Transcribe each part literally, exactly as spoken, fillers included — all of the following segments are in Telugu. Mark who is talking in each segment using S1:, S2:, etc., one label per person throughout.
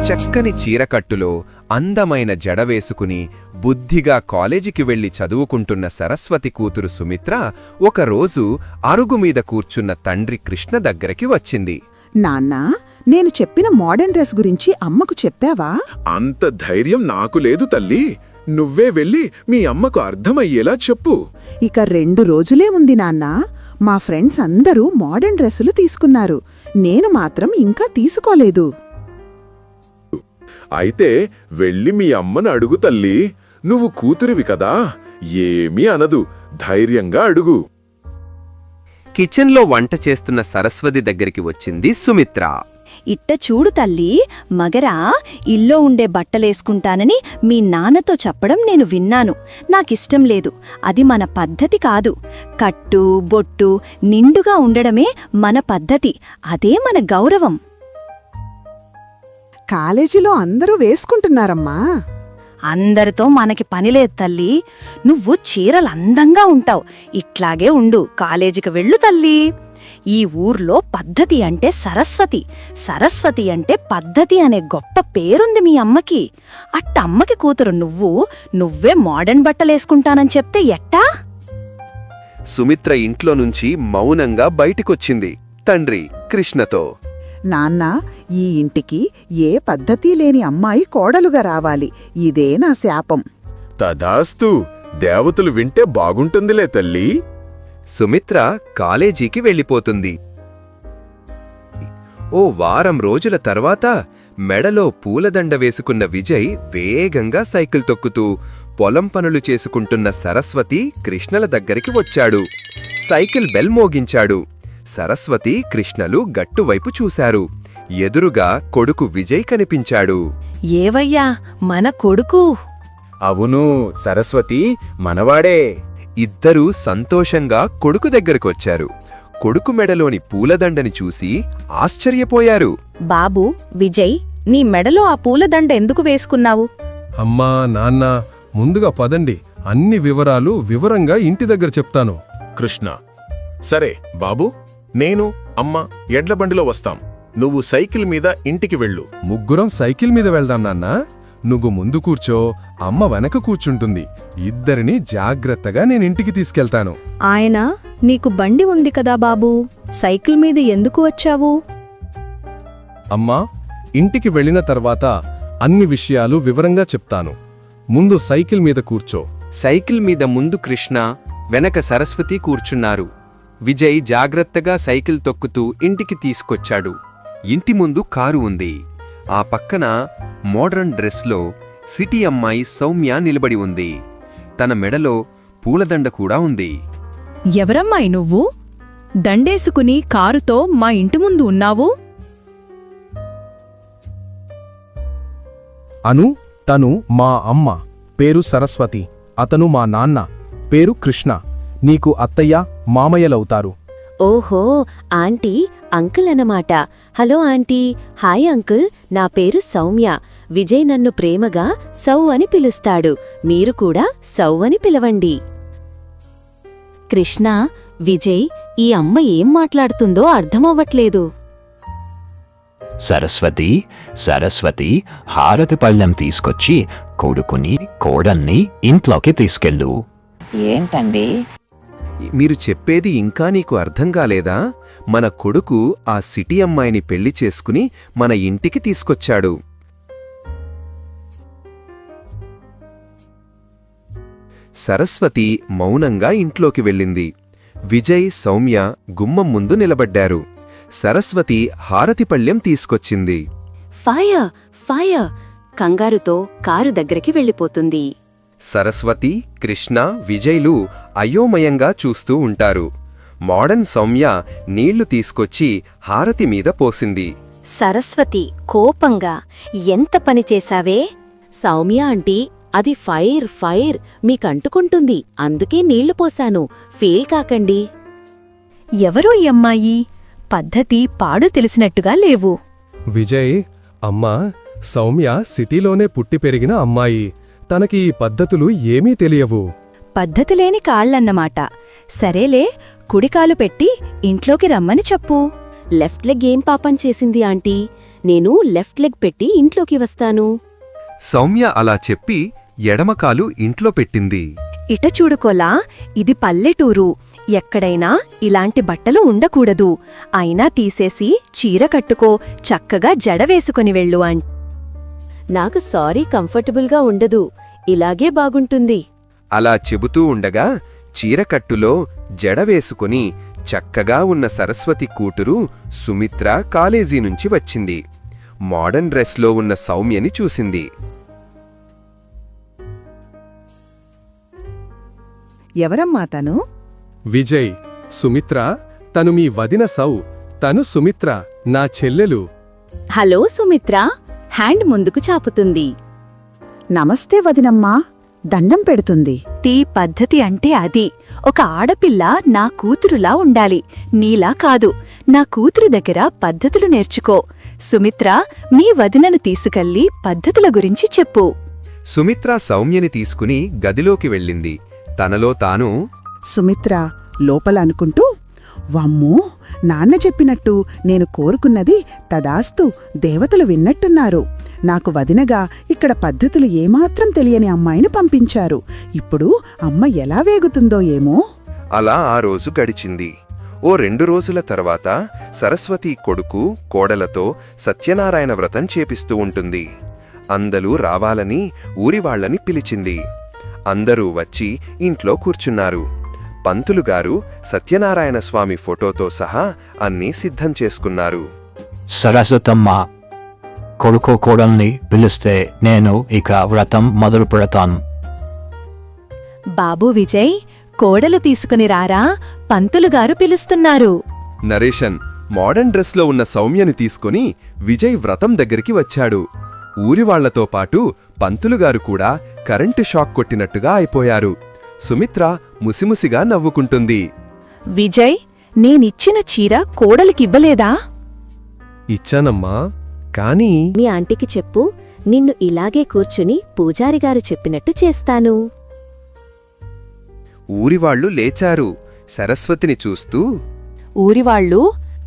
S1: చక్కని చీరకట్టులో అందమైన జడ వేసుకుని బుద్ధిగా కాలేజీకి వెళ్లి చదువుకుంటున్న సరస్వతి కూతురు సుమిత్ర ఒకరోజు అరుగుమీద కూర్చున్న తండ్రి కృష్ణ దగ్గరికి వచ్చింది.
S2: నాన్నా, నేను చెప్పిన మోడర్న్ డ్రెస్ గురించి అమ్మకు చెప్పావా?
S3: అంత ధైర్యం నాకు లేదు తల్లి. నువ్వే వెళ్ళి మీ అమ్మకు అర్థమయ్యేలా చెప్పు.
S2: ఇక రెండు రోజులే ఉంది నాన్నా. మా ఫ్రెండ్స్ అందరూ మోడర్న్ డ్రెస్సులు తీసుకున్నారు. నేను మాత్రం ఇంకా తీసుకోలేదు.
S3: అయితే వెళ్ళి మీ అమ్మను అడుగు తల్లి. నువ్వు కూతురివి కదా, ఏమీ అనదు. ధైర్యంగా అడుగు.
S1: కిచెన్లో వంట చేస్తున్న సరస్వతి దగ్గరికి వచ్చింది సుమిత్ర.
S4: ఇట్ట చూడు తల్లి, మగరా ఇల్లో ఉండే బట్టలేసుకుంటానని మీ నాన్నతో చెప్పడం నేను విన్నాను. నాకిష్టం లేదు. అది మన పద్ధతి కాదు. కట్టు బొట్టు నిండుగా ఉండడమే మన పద్ధతి. అదే మన గౌరవం.
S2: కాలేజీలో అందరూ వేసుకుంటున్నారమ్మా.
S4: అందరితో మనకి పనిలేదు తల్లి. నువ్వు చీరలందంగా ఉంటావు. ఇట్లాగే ఉండు. కాలేజీకి వెళ్ళు తల్లి. ఈ ఊర్లో పద్ధతి అంటే సరస్వతి. సరస్వతి అంటే పద్ధతి అనే గొప్ప పేరుంది మీ అమ్మకి. అట్టమ్మకి కూతురు నువ్వు నువ్వే మోడర్న్ బట్టలేసుకుంటానని చెప్తే ఎట్టా?
S1: సుమిత్ర ఇంట్లో నుంచి మౌనంగా బయటికొచ్చింది తండ్రి కృష్ణతో.
S2: నాన్నా, ఈ ఇంటికి ఏ పద్ధతి లేని అమ్మాయి కోడలుగా రావాలి. ఇదే నా శాపం.
S3: తదాస్తు. దేవతలు వింటే బాగుంటుందిలే తల్లి.
S1: సుమిత్ర కాలేజీకి వెళ్ళిపోతుంది. ఓ వారం రోజుల తర్వాత మెడలో పూలదండ వేసుకున్న విజయ్ వేగంగా సైకిల్ తొక్కుతూ పొలం పనులు చేసుకుంటున్న సరస్వతి కృష్ణల దగ్గరికి వచ్చాడు. సైకిల్ బెల్ మోగించాడు. సరస్వతి కృష్ణలు గట్టువైపు చూశారు. ఎదురుగా కొడుకు విజయ్ కనిపించాడు.
S4: ఏవయ్యా, మన కొడుకు?
S3: అవును సరస్వతి, మనవాడే.
S1: ఇద్దరూ సంతోషంగా కొడుకు దగ్గరకొచ్చారు. కొడుకు మెడలోని పూలదండని చూసి ఆశ్చర్యపోయారు.
S4: బాబూ, విజయ్, నీ మెడలో ఆ పూలదండ ఎందుకు వేసుకున్నావు?
S5: అమ్మా, నాన్న, ముందుగా పదండి. అన్ని వివరాలు వివరంగా ఇంటి దగ్గర చెప్తాను.
S3: కృష్ణ: సరే బాబూ, నేను అమ్మ ఎడ్లబండిలో వస్తాం. నువ్వు సైకిల్ మీద ఇంటికి వెళ్ళు.
S5: ముగ్గురం సైకిల్ మీద వెళ్దాం నాన్నా. నువ్వు ముందు కూర్చో, అమ్మ వెనక కూర్చుంటుంది. ఇద్దరిని జాగ్రత్తగా నేనింటికి తీసుకెళ్తాను.
S4: ఆయన, నీకు బండి ఉంది కదా బాబూ, సైకిల్ మీద ఎందుకు వచ్చావు?
S5: అమ్మా, ఇంటికి వెళ్ళిన తర్వాత అన్ని విషయాలు వివరంగా చెప్తాను. ముందు సైకిల్ మీద కూర్చో.
S1: సైకిల్ మీద ముందు కృష్ణ, వెనక సరస్వతి కూర్చున్నారు. విజయ్ జాగ్రత్తగా సైకిల్ తొక్కుతూ ఇంటికి తీసుకొచ్చాడు. ఇంటి ముందు కారు ఉంది. ఆ పక్కన మోడ్రన్ డ్రెస్లో సిటీ అమ్మాయి సౌమ్య నిలబడి ఉంది. తన మెడలో పూలదండ కూడా ఉంది.
S6: ఎవరమ్మాయి నువ్వు? దండేసుకుని కారుతో మా ఇంటి ముందు ఉన్నావు?
S5: అను, తను మా అమ్మ. పేరు సరస్వతి. అతను మా నాన్న. పేరు కృష్ణ. నీకు అత్తయ్య, మామయ్యలవుతారు.
S7: ఓహో, ఆంటీ అంకుల్ అన్నమాట. Hello aunty. హాయ్ అంకుల్, నా పేరు సౌమ్య. విజయ్ నన్ను ప్రేమగా సౌ అని పిలుస్తాడు. మీరు కూడా సౌ అని పిలవండి. కృష్ణ, విజయ్, ఈ అమ్మ ఏం మాట్లాడుతుందో అర్థమవ్వట్లేదు.
S8: సరస్వతి, సరస్వతి, హారతి పళ్ళెం తీసుకొచ్చి కొడుకుని కోడల్ని ఇంట్లోకి తీసుకెళ్ళు.
S9: ఏంటండి
S1: మీరు చెప్పేది ఇంకా నీకు అర్థం కాలేదా? మన కొడుకు ఆ సిటీ అమ్మాయిని పెళ్లి చేసుకుని మన ఇంటికి తీసుకొచ్చాడు. సరస్వతి మౌనంగా ఇంట్లోకి వెళ్ళింది. విజయ్, సౌమ్య గుమ్మం ముందు నిలబడ్డారు. సరస్వతి హారతిపళ్ళెం తీసుకొచ్చింది.
S7: ఫైర్ ఫైర్ కంగారుతో కారు దగ్గరికి వెళ్ళిపోతుంది.
S1: సరస్వతి, కృష్ణ, విజయ్లు అయోమయంగా చూస్తూ ఉంటారు. మోడర్న్ సౌమ్య నీళ్లు తీసుకొచ్చి హారతి మీద పోసింది.
S7: సరస్వతి కోపంగా, ఎంత పని చేశావే? సౌమ్య ఆంటీ, అది ఫైర్ ఫైర్ మీకంటుకుంటుంది, అందుకే నీళ్లు పోశాను, ఫీల్ కాకండి.
S4: ఎవరో ఈ అమ్మాయి? పద్ధతి పాడు తెలిసినట్టుగా లేవు.
S5: విజయ్, అమ్మా, సౌమ్య సిటీలోనే పుట్టి పెరిగిన అమ్మాయి. తనకి ఈ పద్ధతులు ఏమీ తెలియవు.
S4: పద్ధతిలేని కాళ్లన్నమాట. సరేలే, కుడికాలు పెట్టి ఇంట్లోకి రమ్మని చెప్పు.
S7: లెఫ్ట్ లెగ్ ఏం పాపం చేసింది ఆంటీ? నేను లెఫ్ట్ లెగ్ పెట్టి ఇంట్లోకి వస్తాను.
S1: సౌమ్య అలా చెప్పి ఎడమకాలు ఇంట్లో పెట్టింది.
S4: ఇట చూడుకోలా, ఇది పల్లెటూరు. ఎక్కడైనా ఇలాంటి బట్టలు ఉండకూడదు. అయినా తీసేసి చీర కట్టుకో, చక్కగా జడ వేసుకొని వెళ్ళు అం
S7: నాకు సారీ కంఫర్టబుల్గా ఉండదు, ఇలాగే బాగుంటుంది.
S1: అలా చెబుతూ ఉండగా చీరకట్టులో జడ వేసుకుని చక్కగా ఉన్న సరస్వతి కూతురు సుమిత్ర కాలేజీ నుంచి వచ్చింది. మోడర్న్ డ్రెస్లో ఉన్న సౌమ్యని చూసింది.
S2: ఎవరమ్మా తను?
S5: విజయ్, సుమిత్ర, తను మీ వదిన సౌ. తను సుమిత్ర, నా చెల్లెలు.
S7: హలో సుమిత్ర, హ్యాండ్ ముందుకు చాపుతుంది.
S2: నమస్తే వదినమ్మా, దండం పెడుతుంది.
S4: తీ పద్ధతి అంటే అది. ఒక ఆడపిల్ల నా కూతురులా ఉండాలి, నీలా కాదు. నా కూతురు దగ్గర పద్ధతులు నేర్చుకో. సుమిత్ర, మీ వదినను తీసుకెళ్లి పద్ధతుల గురించి చెప్పు.
S1: సుమిత్ర సౌమ్యని తీసుకుని గదిలోకి వెళ్ళింది. తనలో తాను,
S2: సుమిత్ర లోపల అనుకుంటూ, వమ్మో, నాన్న చెప్పినట్టు నేను కోరుకున్నది తదాస్తు, దేవతలు విన్నట్టున్నారు. నాకు వదినగా ఇక్కడ పద్ధతులు ఏమాత్రం తెలియని అమ్మాయిని పంపించారు. ఇప్పుడు అమ్మ ఎలా వేగుతుందో ఏమో.
S1: అలా ఆ రోజు గడిచింది. ఓ రెండు రోజుల తర్వాత సరస్వతి కొడుకు కోడలతో సత్యనారాయణ వ్రతం చేపిస్తూ ఉంటుంది. అందరూ రావాలని ఊరివాళ్లని పిలిచింది. అందరూ వచ్చి ఇంట్లో కూర్చున్నారు. పంతులుగారు సత్యనారాయణ స్వామి ఫోటోతో సహా అన్నీ సిద్ధం చేసుకున్నారు.
S8: సరస్వతమ్మ, కొడుకు కోడల్ని పిలిస్తే నేను ఇక వ్రతం మొదలు పెడతాను.
S4: బాబూ విజయ్, కోడలు తీసుకుని రారా, పంతులుగారు పిలుస్తున్నారు.
S1: నరేషన్ మోడర్న్ డ్రెస్లో ఉన్న సౌమ్యని తీసుకుని విజయ్ వ్రతం దగ్గరికి వచ్చాడు. ఊరివాళ్లతో పాటు పంతులుగారు కూడా కరెంటు షాక్ కొట్టినట్టుగా అయిపోయారు. సుమిత్ర ముసిముసిగా నవ్వుకుంటుంది.
S4: విజయ్, నేనిచ్చిన చీర కోడలికివ్వలేదా?
S5: ఇచ్చానమ్మా, కానీ
S7: మీ ఆంటీకి చెప్పు, నిన్ను ఇలాగే కూర్చుని పూజారిగారు చెప్పినట్టు చేస్తాను.
S1: ఊరివాళ్లు లేచారు. సరస్వతిని చూస్తూ,
S4: ఊరివాళ్ళు,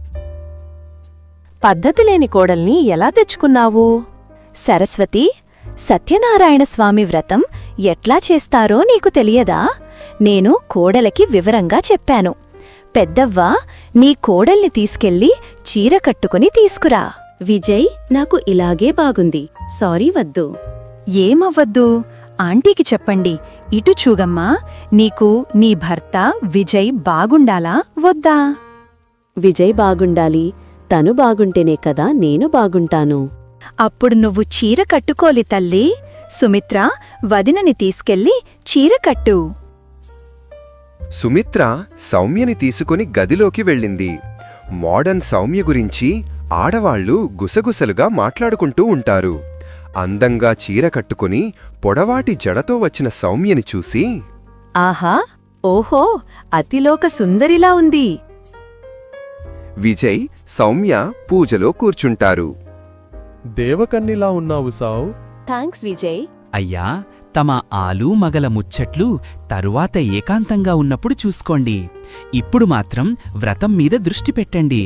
S4: పద్ధతిలేని కోడల్ని ఎలా తెచ్చుకున్నావు? సరస్వతి, సత్యనారాయణ స్వామి వ్రతం ఎట్లా చేస్తారో నీకు తెలియదా? నేను కోడలకి వివరంగా చెప్పాను. పెద్దవ్వ, నీ కోడల్ని తీసుకెళ్ళి చీర కట్టుకుని తీసుకురా.
S7: విజయ్, నాకు ఇలాగే బాగుంది, సారీ వద్దు.
S4: ఏమవ్వద్దు, ఆంటీకి చెప్పండి. ఇటు చూగమ్మా, నీకు నీ భర్త విజయ్ బాగుండాలా వద్దా?
S7: విజయ్ బాగుండాలి, తను బాగుంటేనే కదా నేను బాగుంటాను.
S4: అప్పుడు నువ్వు చీర కట్టుకోలి తల్లి. సుమిత్ర, వదినని తీసుకెళ్ళి చీర కట్టు.
S1: సుమిత్ర సౌమ్యని తీసుకుని గదిలోకి వెళ్ళింది. మోడర్న్ సౌమ్య గురించి ఆడవాళ్లు గుసగుసలుగా మాట్లాడుకుంటూ ఉంటారు. అందంగా చీర కట్టుకుని పొడవాటి జడతో వచ్చిన సౌమ్యని చూసి,
S4: ఆహా, ఓహో, అతిలోక సుందరిలా ఉంది.
S1: విజయ్, సౌమ్య పూజలో కూర్చుంటారు.
S5: దేవకన్నిలా ఉన్నావు సావ్.
S7: థాంక్స్ విజయ్.
S9: అయ్యా, తమ ఆలు మగల ముచ్చట్లు తరువాత ఏకాంతంగా ఉన్నప్పుడు చూసుకోండి. ఇప్పుడు మాత్రం వ్రతం మీద దృష్టి పెట్టండి.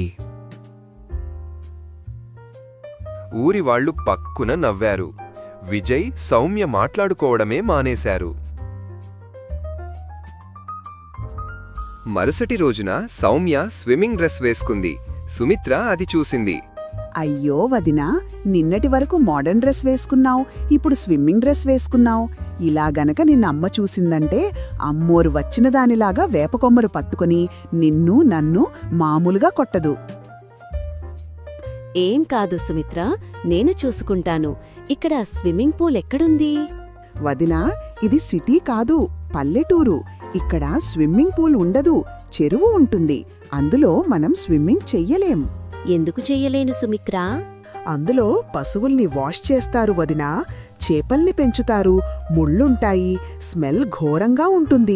S1: ఊరివాళ్లు పక్కున నవ్వారు. విజయ్, సౌమ్య మాట్లాడుకోవడమే మానేశారు. మరుసటి రోజున సౌమ్య స్విమ్మింగ్ డ్రెస్ వేసుకుంది. సుమిత్ర అది చూసింది.
S2: అయ్యో వదినా, నిన్నటి వరకు మోడర్న్ డ్రెస్ వేసుకున్నావు, ఇప్పుడు స్విమ్మింగ్ డ్రెస్ వేసుకున్నావు. ఇలా గనక నిన్నమ్మ చూసిందంటే అమ్మోరు వచ్చిన దానిలాగా వేపకొమ్మరు పట్టుకుని నిన్ను నన్ను మామూలుగా కొట్టదు.
S7: ఏం కాదు సుమిత్ర, నేను చూసుకుంటాను. ఇక్కడ స్విమ్మింగ్ పూల్ ఎక్కడుంది?
S2: వదినా, ఇది సిటీ కాదు, పల్లెటూరు. ఇక్కడ స్విమ్మింగ్ పూల్ ఉండదు, చెరువు ఉంటుంది. అందులో మనం స్విమ్మింగ్ చెయ్యలేం.
S7: ఎందుకు చెయ్యలేను సుమిత్ర?
S2: అందులో పశువుల్ని వాష్ చేస్తారు వదినా, చేపల్ని పెంచుతారు, ముళ్ళుంటాయి, స్మెల్ ఘోరంగా ఉంటుంది.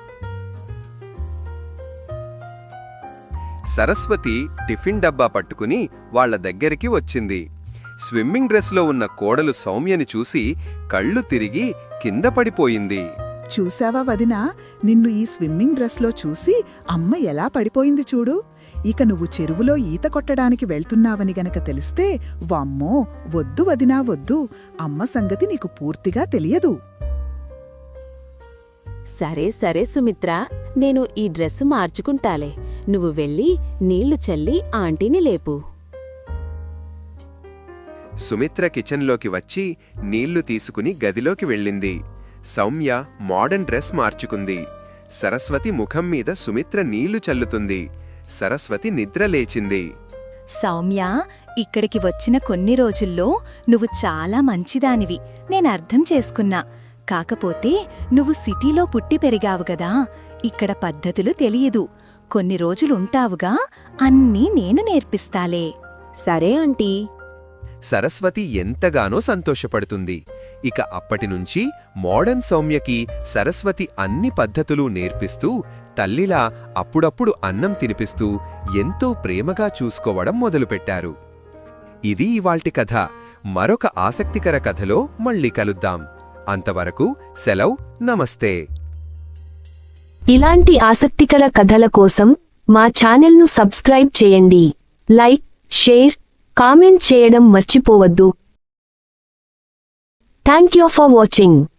S1: సరస్వతి టిఫిన్ డబ్బా పట్టుకుని వాళ్ల దగ్గరికి వచ్చింది. స్విమ్మింగ్ డ్రెస్లో ఉన్న కోడలు సౌమ్యని చూసి కళ్ళు తిరిగి కింద పడిపోయింది.
S2: చూసావా వదినా, నిన్ను ఈ స్విమ్మింగ్ డ్రెస్లో చూసి అమ్మ ఎలా పడిపోయింది చూడు. ఇక నువ్వు చెరువులో ఈత కొట్టడానికి వెళ్తున్నావని గనక తెలిస్తే వామ్మో వద్దు వదినా వద్దు, అమ్మ సంగతి నీకు పూర్తిగా తెలియదు.
S7: సరే సరే సుమిత్ర, నేను ఈ డ్రెస్సు మార్చుకుంటాలే. నువ్వు వెళ్ళి నీళ్లు చల్లి ఆంటీని లేపు.
S1: సుమిత్ర కిచెన్లోకి వచ్చి నీళ్లు తీసుకుని గదిలోకి వెళ్ళింది. సౌమ్య మోడర్న్ డ్రెస్ మార్చుకుంది. సరస్వతి ముఖం మీద సుమిత్ర నీళ్లు చల్లుతుంది. సరస్వతి నిద్ర లేచింది.
S4: సౌమ్య, ఇక్కడికి వచ్చిన కొన్ని రోజుల్లో నువ్వు చాలా మంచిదానివి, నేనర్థం చేసుకున్నా. కాకపోతే నువ్వు సిటీలో పుట్టి పెరిగావు గదా, ఇక్కడ పద్ధతులు తెలియదు. కొన్ని రోజులుంటావుగా, అన్నీ నేను నేర్పిస్తాలే.
S7: సరే ఆంటీ.
S1: సరస్వతి ఎంతగానో సంతోషపడుతుంది. ఇక అప్పటినుంచి మోడర్న్ సౌమ్యకి సరస్వతి అన్ని పద్ధతులు నేర్పిస్తూ, తల్లిలా అప్పుడప్పుడు అన్నం తినిపిస్తూ ఎంతో ప్రేమగా చూసుకోవడం మొదలుపెట్టారు. ఇది ఇవాల్టి కథ. మరొక ఆసక్తికర కథలో మళ్ళీ కలుద్దాం. అంతవరకు సెలవ్, నమస్తే.
S10: ఇలాంటి ఆసక్తికర కథల కోసం మా ఛానల్ను సబ్స్క్రైబ్ చేయండి. లైక్, షేర్, కామెంట్ చేయడం మర్చిపోవద్దు. Thank you for watching.